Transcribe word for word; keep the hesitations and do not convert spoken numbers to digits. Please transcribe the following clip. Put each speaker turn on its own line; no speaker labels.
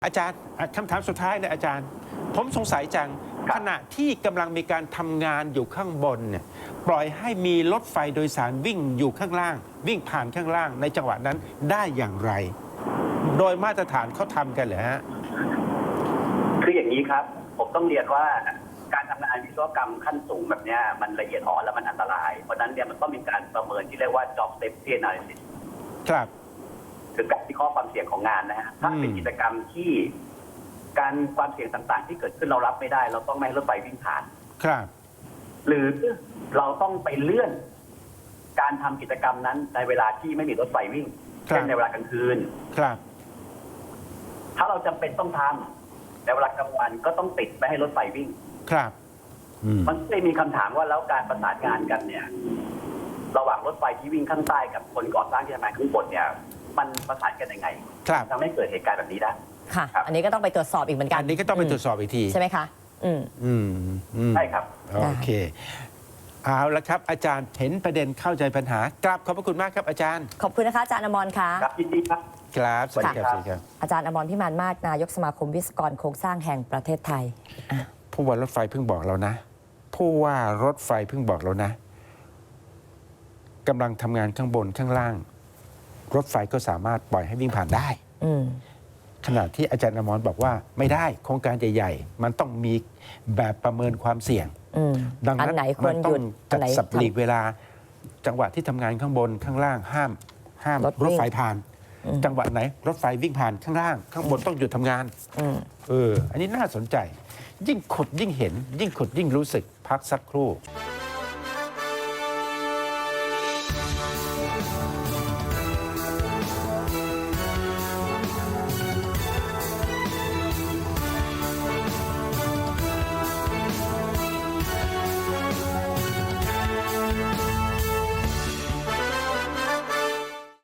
อาจารย์คำถามสุดท้ายเนี่ยอาจารย์ ผมสงสัยจังขณะที่กำลังมีการทำงานอยู่ข้างบนเนี่ยปล่อยให้มีรถไฟโดยสารวิ่งอยู่ข้างล่าง วิ่งผ่านข้างล่างในจังหวะนั้นได้อย่างไร โดยมาตรฐานเขาทำกันเหรอฮะ
คืออย่างนี้ครับผมต้องเรียนว่าการทำงานวิศวกรรมขั้นสูงแบบนี้มันละเอียดอ่อนและมันอันตรายเพราะนั้นเนี่ยมันต้องมีการประเมินที่เรียกว่า job safety analysis
ครับ
คือการวิเคราะห์ความเสี่ยงของงานนะฮะถ้าเป็นกิจกรรมที่การความเสี่ยงต่างๆที่เกิดขึ้นเรารับไม่ได้เราต้องไม่ให้รถไฟวิ่งผ่าน
ครับ
หรือเราต้องไปเลื่อนการทำกิจกรรมนั้นในเวลาที่ไม่มีรถไฟวิ่งเช่นในเวลากลางคืน
ครับ
ถ้าเราจำเป็นต้องทำในเวลากลางวันก็ต้องติดไม่ให้รถไฟวิ่ง
ครับ
มันก็เลยมีคำถามว่าแล้วการประสานงานกันเนี่ยระหว่างรถไฟที่วิ่งข้างใต้กับคนก่อสร้างที่ทำงานข้างบนเนี่ยมันประสานกันยังไงทำให้เกิดเหตุการณ์แบบนี้ได้
ค่ะอันนี้ก็ต้องไปตรวจสอบอีกเหมือนกัน
อันนี้ก็ต้องไปตรวจสอบอีกที
ใช่ไหมคะอืม
อืม
ใช่ครับ
โอเคเอาละครับอาจารย์เห็นประเด็นเข้าใจปัญหากราบขอบพระคุณมากครับอาจารย์
ขอบคุณนะคะอาจารย์อมรค่ะ
ครับยินดีครับ
ครับสวัสดีครับ
อาจารย์อมรพิมานมากนายกสมาคมวิศวกรโครงสร้างแห่งประเทศไทย
ผู้ว่ารถไฟเพิ่งบอกเรานะผู้ว่ารถไฟเพิ่งบอกเรานะกำลังทำงานข้างบนข้างล่าง รถไฟก็สามารถปล่อยให้วิ่งผ่านได้ขณะที่อาจารย์อมรบอกว่าไม่ได้โครงการใหญ่ๆมันต้องมีแบบประเมินความเสี่ยง
ดังนั้น
มันต้องจัดสับหลีกเวลาจังหวะที่ทำงานข้างบนข้างล่างห้ามห้ามรถไฟผ่านจังหวะไหนรถไฟวิ่งผ่านข้างล่างข้างบนต้องหยุดทำงานเอออันนี้น่าสนใจยิ่งขุดยิ่งเห็นยิ่งขุดยิ่งรู้สึกพักสักครู่